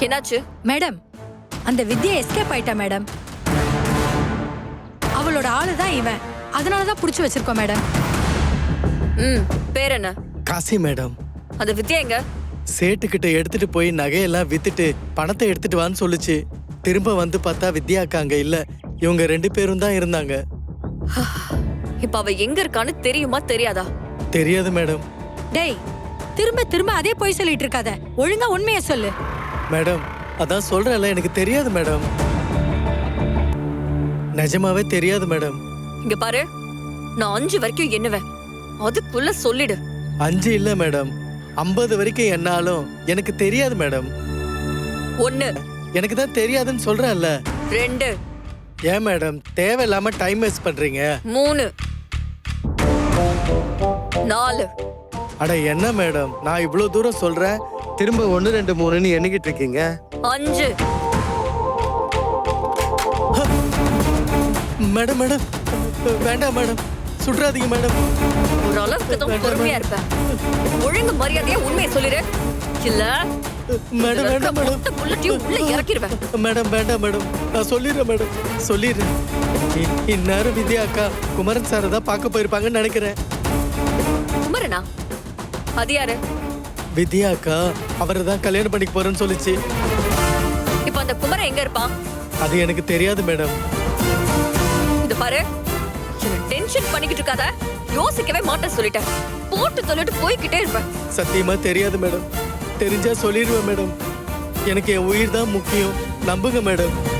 என்னாச்சு? மேடம், அந்த வித்யா எஸ்கேப் ஆயிட்டா மேடம். அவளோட ஆளுதான் இவன். அதனாலதான் புடிச்சு வச்சிருக்கோம் மேடம். பேர் என்ன? காசி மேடம். அந்த வித்யா எங்க? சேட்டுக்கிட்ட எடுத்துட்டு போய் நகையெல்லாம் வித்துட்டு பணத்தை எடுத்துட்டு வான்னு சொல்லுச்சு. திரும்ப வந்து பார்த்தா வித்யா அக்கா அங்க இல்ல. இவங்க 2 பேரும் தான் இருந்தாங்க. இப்ப அவ எங்க இருக்கான்னு தெரியுமா தெரியாதா? தெரியாது மேடம். டேய், திரும்ப திரும்ப அதே போய் சொல்லிட்டு இருக்காத. ஒழுங்கா உண்மையை சொல்லு. மேடம், அதான் சொல்றேன்ல, எனக்கு தெரியாது மேடம். நிஜமாவே தெரியாது மேடம். இங்க பாரு, நான் 5 வரைக்கும் எண்ணுவேன். அதுக்குள்ள சொல்லிடு. 5 இல்ல மேடம், 50 வரைக்கும் என்னாலும் எனக்கு தெரியாது மேடம். 1, எனக்கு தான் தெரியாதுன்னு சொல்றேன்ல. 2, ஏன் மேடம் தேவையில்லாம டைம் வேஸ்ட் பண்றீங்க? 3, 4. அட என்ன மேடம், நான் இவ்வளவு தூரம் சொல்றேன், திரும்ப 1 2 3ன்னு எண்ணிக்கிட்டு இருக்கீங்க. 5. மேடம் மேடம் வேண்டாம் மேடம், சுற்றாதீங்க மேடம். ஒரு அளவுக்கு தான் பொறுமையா இருப்பேன். ஒழுங்கு மரியாதையா உண்மையை சொல்லிடு. இல்ல மேடம் வேண்டாம் மேடம். புல்லட்டையும் உள்ள இறக்கிடுவேன். மேடம் வேண்டாம் மேடம், நான் சொல்லிடுறேன் மேடம், சொல்லிடுறேன். இந்நேரம் வித்யா அக்கா குமரன் சாரை தான் பார்க்க போயிருப்பாங்கன்னு நினைக்கிறேன். குமரனா? அது யாரு? வித்யா அக்கா அவரை தான் கல்யாணம் பண்ணிக்க போறேன்னு சொல்லிச்சு. இப்ப அந்த குமரன் எங்க இருப்பான்? அது எனக்கு தெரியாது மேடம். இது பாரு, டென்ஷன் பண்ணிக்கிட்டு இருக்காத. யோசிக்கவே மாட்டேன் சொல்லிட்டேன். போட்டு சொல்லிட்டு போய்கிட்டே இருப்பேன். சத்தியமா தெரியாது மேடம். தெரிஞ்சா சொல்லிடுவேன் மேடம். எனக்கு என் உயிர் தான் முக்கியம், நம்புங்க மேடம்.